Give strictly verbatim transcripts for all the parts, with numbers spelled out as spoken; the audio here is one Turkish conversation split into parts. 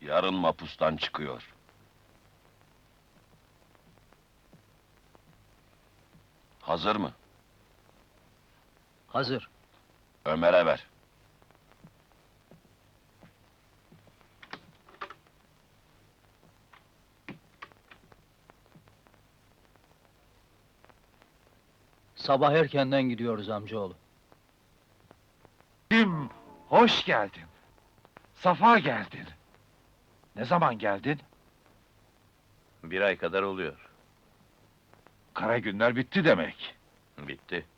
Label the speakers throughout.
Speaker 1: Yarın mapustan çıkıyor. Hazır mı?
Speaker 2: Hazır.
Speaker 1: Ömer'e ver.
Speaker 2: Sabah erkenden gidiyoruz amcaoğlu.
Speaker 3: Kim? Hoş geldin. Safa geldin. Ne zaman geldin?
Speaker 4: Bir ay kadar oluyor.
Speaker 3: Kara günler bitti demek.
Speaker 4: Bitti.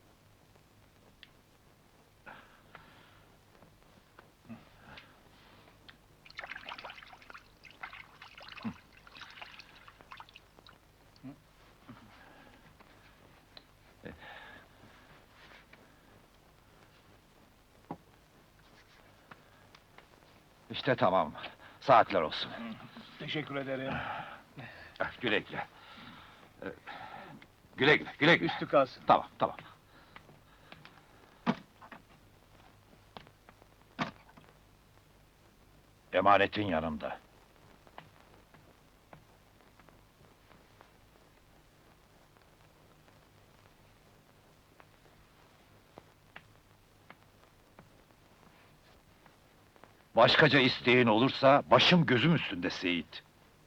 Speaker 3: İşte tamam. Saatler olsun.
Speaker 5: Teşekkür ederim.
Speaker 3: Eh, Güle güle. Eh, Güle güle, güle güle.
Speaker 5: Üstü kalsın.
Speaker 3: Tamam, tamam. Emanetin yanımda. Başkaca isteğin olursa başım gözüm üstünde Seyit.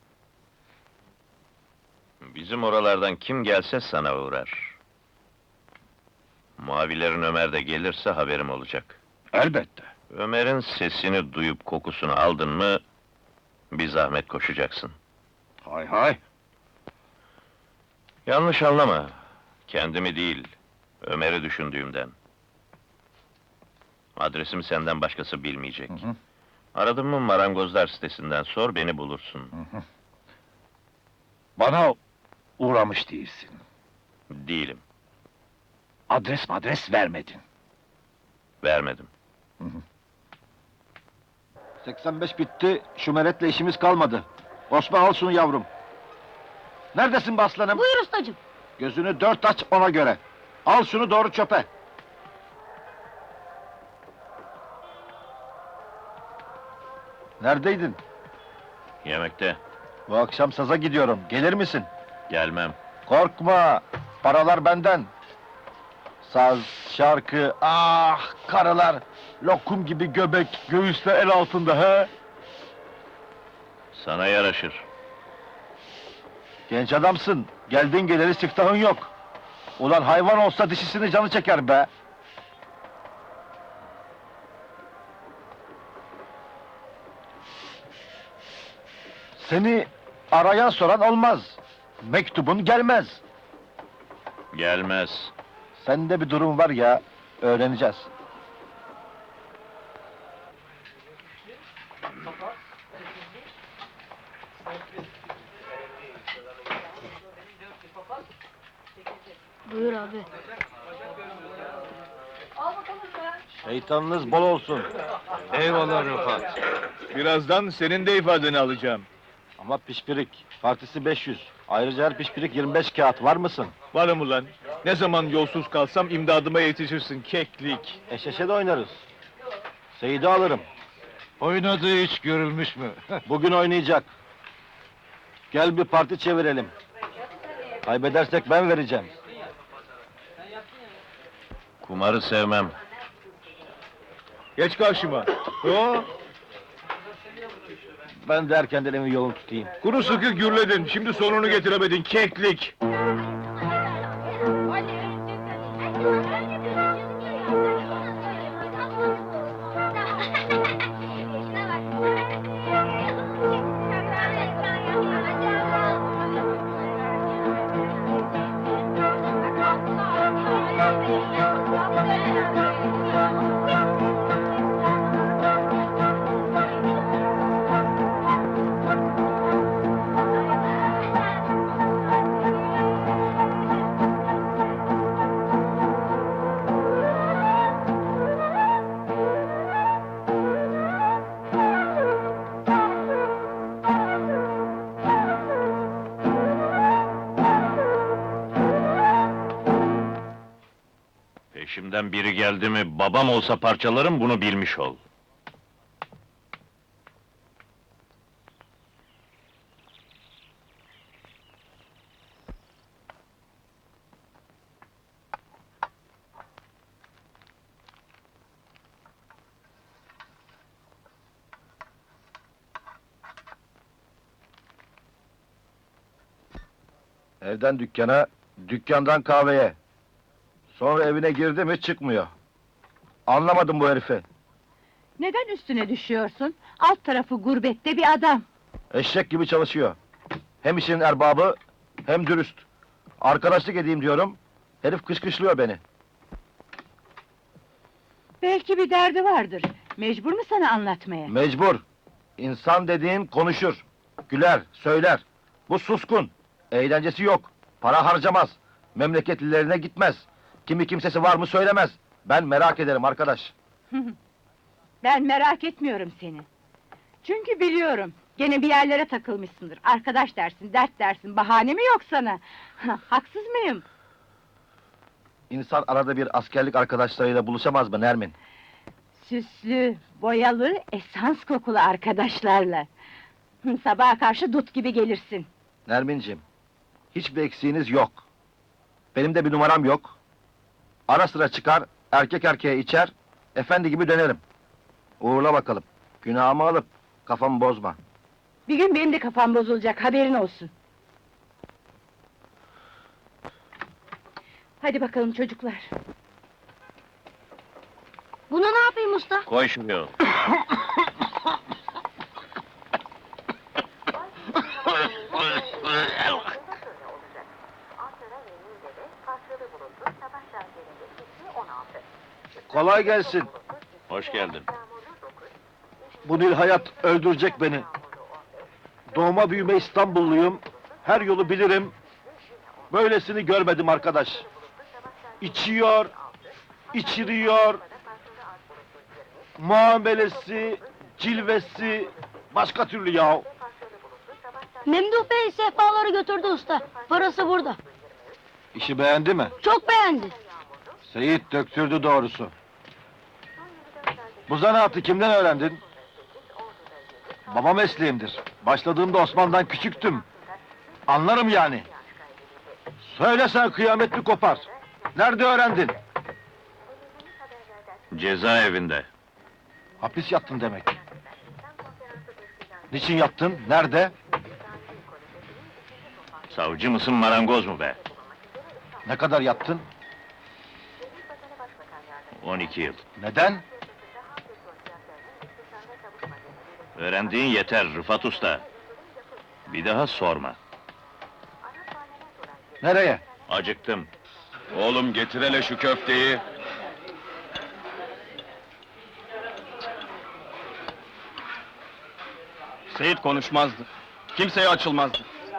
Speaker 4: Bizim oralardan kim gelse sana uğrar. Mavilerin Ömer de gelirse haberim olacak.
Speaker 3: Elbette.
Speaker 4: Ömer'in sesini duyup kokusunu aldın mı, bir zahmet koşacaksın.
Speaker 3: Hay hay.
Speaker 4: Yanlış anlama, kendimi değil, Ömer'i düşündüğümden. Adresimi senden başkası bilmeyecek.
Speaker 3: Hı hı.
Speaker 4: Aradın mı marangozlar sitesinden sor, beni bulursun.
Speaker 3: Hı hı. Bana uğramış değilsin.
Speaker 4: Değilim,
Speaker 3: Adres madres vermedin.
Speaker 4: vermedim.
Speaker 6: seksen beş bitti, şu meretle işimiz kalmadı. Osman al şunu yavrum. Neredesin be aslanım?
Speaker 7: Buyur ustacığım.
Speaker 6: Gözünü dört aç ona göre. Al şunu doğru çöpe. Neredeydin?
Speaker 4: Yemekte,
Speaker 6: Bu akşam saza gidiyorum, gelir misin?
Speaker 4: gelmem.
Speaker 6: Korkma, paralar benden. Saz, şarkı, ah karılar! Lokum gibi göbek, göğüsle el altında he!
Speaker 4: Sana yaraşır.
Speaker 6: Genç adamsın, geldin geleli siftahın yok. Ulan hayvan olsa dişisini canı çeker be! Seni arayan soran olmaz. Mektubun gelmez.
Speaker 4: Gelmez.
Speaker 6: Sende bir durum var ya, öğreneceğiz.
Speaker 7: Buyur abi.
Speaker 6: Şeytanınız bol olsun.
Speaker 5: Eyvallah Rıfat. Birazdan senin de ifadeni alacağım.
Speaker 6: Ama pişpirik, partisi beş yüz. Ayrıca her pişpirik yirmi beş kağıt, var mısın?
Speaker 5: Varım ulan. Ne zaman yolsuz kalsam imdadıma yetişirsin keklik.
Speaker 6: Eşeşe de oynarız. Seyidi alırım.
Speaker 3: Oynadığı hiç görülmüş mü?
Speaker 6: Bugün oynayacak. Gel bir parti çevirelim. Kaybedersek ben vereceğim.
Speaker 4: Kumarı sevmem.
Speaker 5: Geç karşıma. Yo,
Speaker 6: Ben de erkenden evin yolunu tutayım.
Speaker 5: kuru sıkı gürledin. Şimdi sonunu getiremedin keklik.
Speaker 4: Peşimden biri geldi mi, babam olsa parçalarım, bunu bilmiş ol.
Speaker 6: Evden dükkana, dükkandan kahveye. Sonra evine girdi mi çıkmıyor. Anlamadım bu herifi.
Speaker 8: Neden üstüne düşüyorsun? Alt tarafı gurbette bir adam.
Speaker 6: Eşek gibi çalışıyor. Hem işin erbabı, hem dürüst. Arkadaşlık edeyim diyorum, herif kışkışlıyor beni.
Speaker 8: Belki bir derdi vardır. Mecbur mu sana anlatmaya?
Speaker 6: Mecbur. İnsan dediğin konuşur, güler, söyler. Bu suskun, eğlencesi yok, para harcamaz, memleketlilerine gitmez. Kimi kimsesi var mı söylemez. Ben merak ederim arkadaş.
Speaker 8: Ben merak etmiyorum seni. Çünkü biliyorum, gene bir yerlere takılmışsındır. Arkadaş dersin, dert dersin, bahane mi yok sana? Haksız mıyım?
Speaker 6: İnsan arada bir askerlik arkadaşlarıyla buluşamaz mı Nermin?
Speaker 8: Süslü, boyalı, esans kokulu arkadaşlarla. Hı, Sabaha karşı dut gibi gelirsin.
Speaker 6: Nerminciğim, hiçbir eksiğiniz yok. Benim de bir numaram yok. Ara sıra çıkar, erkek erkeğe içer, efendi gibi dönerim. Uğurla bakalım, günahımı alıp kafamı bozma.
Speaker 8: Bir gün benim de kafam bozulacak, haberin olsun. Hadi bakalım çocuklar.
Speaker 7: Bunu ne yapayım usta?
Speaker 4: Koy şunu.
Speaker 6: Kolay gelsin.
Speaker 4: Hoş geldin.
Speaker 6: Bu Nil hayat öldürecek beni. Doğma büyüme İstanbulluyum. Her yolu bilirim. Böylesini görmedim arkadaş. İçiyor, içiriyor. Muamelesi, cilvesi başka türlü ya.
Speaker 7: Memduh Bey sehpaları götürdü usta. Parası burada.
Speaker 6: İşi beğendi mi?
Speaker 7: Çok beğendi.
Speaker 6: Seyit döktürdü doğrusu. Bu zanaatı kimden öğrendin? Baba mesleğimdir. Başladığımda Osman'dan küçüktüm. Anlarım yani. Söylesen kıyametli kopar. Nerede öğrendin?
Speaker 4: Cezaevinde.
Speaker 6: Hapis yattın demek. Niçin yattın? Nerede?
Speaker 4: Savcı mısın, marangoz mu be?
Speaker 6: Ne kadar yattın?
Speaker 4: on iki yıl.
Speaker 6: Neden?
Speaker 4: Öğrendiğin yeter Rıfat Usta. Bir daha sorma.
Speaker 6: Nereye?
Speaker 4: Acıktım.
Speaker 1: Oğlum getir hele şu köfteyi.
Speaker 9: Seyit konuşmazdı. Kimseye açılmazdı.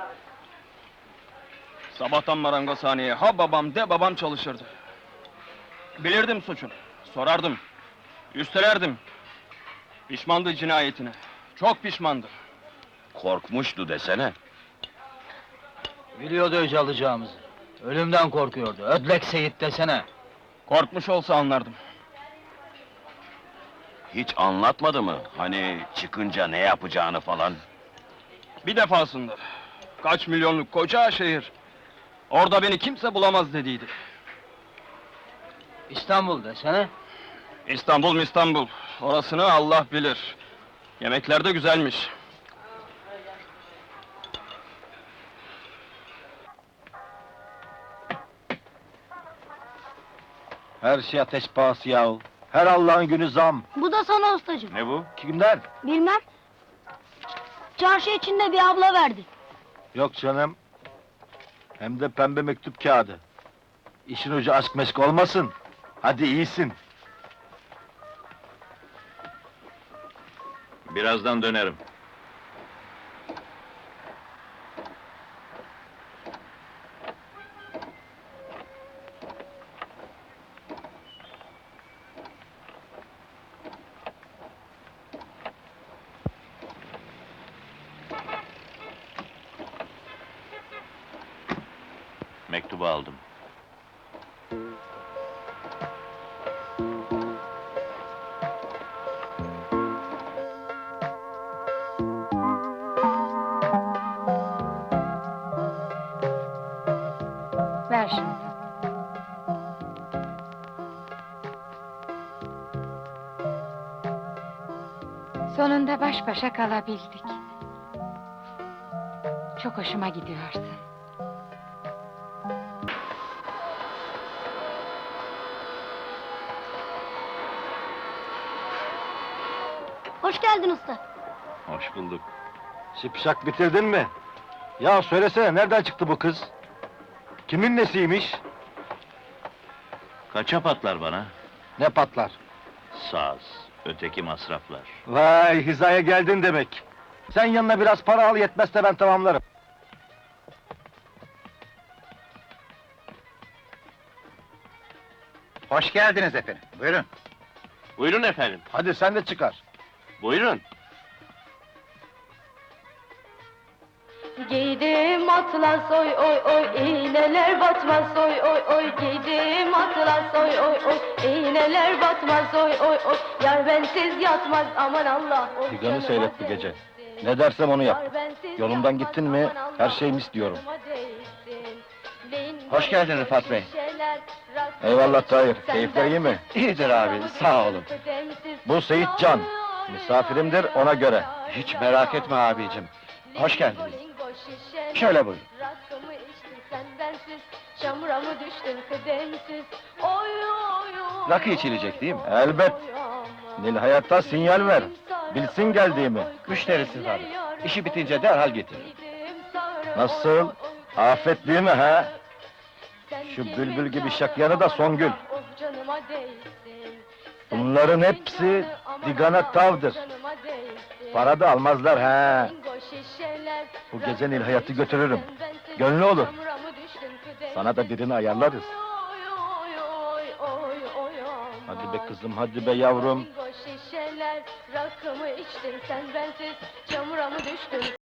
Speaker 9: Sabahtan marangozhaneye ha babam de babam çalışırdı. Bilirdim suçunu, sorardım. Üstelerdim. Pişmandı cinayetine. Çok pişmandı.
Speaker 1: Korkmuştu desene.
Speaker 2: Biliyordu öc alacağımızı. Ölümden korkuyordu. Ödlek Seyit desene.
Speaker 9: Korkmuş olsa anlardım.
Speaker 1: Hiç anlatmadı mı? Hani çıkınca ne yapacağını falan.
Speaker 9: Bir defasında. Kaç milyonluk koca şehir. Orada beni kimse bulamaz dediydi.
Speaker 2: İstanbul desene.
Speaker 9: İstanbul İstanbul. Orasını Allah bilir. Yemekler de güzelmiş.
Speaker 6: Her şey ateş pahası yahu. Her Allah'ın günü zam.
Speaker 7: Bu da sana ustacığım.
Speaker 4: Ne bu?
Speaker 6: Kimden?
Speaker 7: Bilmem. Çarşı içinde bir abla verdi.
Speaker 6: Yok canım. Hem de pembe mektup kağıdı. İşin ucu aşk meşk olmasın. Hadi iyisin.
Speaker 4: Birazdan dönerim. Mektubu aldım.
Speaker 8: Ver şunu. Sonunda baş başa kalabildik. Çok hoşuma gidiyorsun.
Speaker 7: Hoş geldin usta.
Speaker 1: Hoş bulduk.
Speaker 6: Şipşak bitirdin mi? Ya söylesene, nereden çıktı bu kız? Kimin nesiymiş?
Speaker 4: Kaça patlar bana?
Speaker 6: Ne patlar?
Speaker 4: Saz, öteki masraflar.
Speaker 6: Vay, hizaya geldin demek. Sen yanına biraz para al, yetmezse ben tamamlarım.
Speaker 3: Hoş geldiniz efendim. Buyurun.
Speaker 4: Buyurun efendim,
Speaker 6: Hadi sen de çıkar.
Speaker 4: buyurun.
Speaker 7: Giydim atlas oy oy oy, iğneler batmaz oy oy oy. Giydim atlas oy oy oy, iğneler batmaz oy oy oy. Yar bensiz yatmaz aman Allah. oy
Speaker 6: Figanı
Speaker 7: canıma
Speaker 6: seyret bu
Speaker 7: değsin.
Speaker 6: gece. Ne dersem onu yap.
Speaker 7: Yar bensiz
Speaker 6: Yolundan
Speaker 7: yatmaz,
Speaker 6: gittin mi,
Speaker 7: aman Allah,
Speaker 6: her şey mis diyorum.
Speaker 7: canıma değsin. Bin
Speaker 3: Hoş geldin Rıfat Bey.
Speaker 7: şişeler, rakı
Speaker 6: Eyvallah Tahir,
Speaker 7: sen
Speaker 6: keyifler iyi mi?
Speaker 7: bensiz,
Speaker 3: İyidir abi, sağ olun.
Speaker 7: kıdemsiz.
Speaker 6: Bu Seyit Can, misafirimdir, ona göre.
Speaker 3: Hiç merak etme abicim. Hoş geldiniz. Şöyle buyurun.
Speaker 7: Rakımı içtin sen bensiz, çamura mı düştün kıdemsiz? Oy oy oy.
Speaker 3: Rakı içilecek değil mi?
Speaker 6: Elbet.
Speaker 7: oy aman.
Speaker 6: Nil Hayat'a sinyal ver. Bilsin geldiğimi.
Speaker 3: Müşterisi var. İşi bitince derhal getirir.
Speaker 6: Nasıl? Afet değil mi ha? Şu bülbül gibi şakyanı da Songül. Bunların hepsi digana tavdır. Para da almazlar ha. Bu gece Nil Hayat'ı götürürüm. Gönlü olur. Sana da birini ayarlarız. Hadi be kızım, hadi be yavrum.
Speaker 7: Şişeler, rakımı içtin sen bensiz, çamura mı düştün?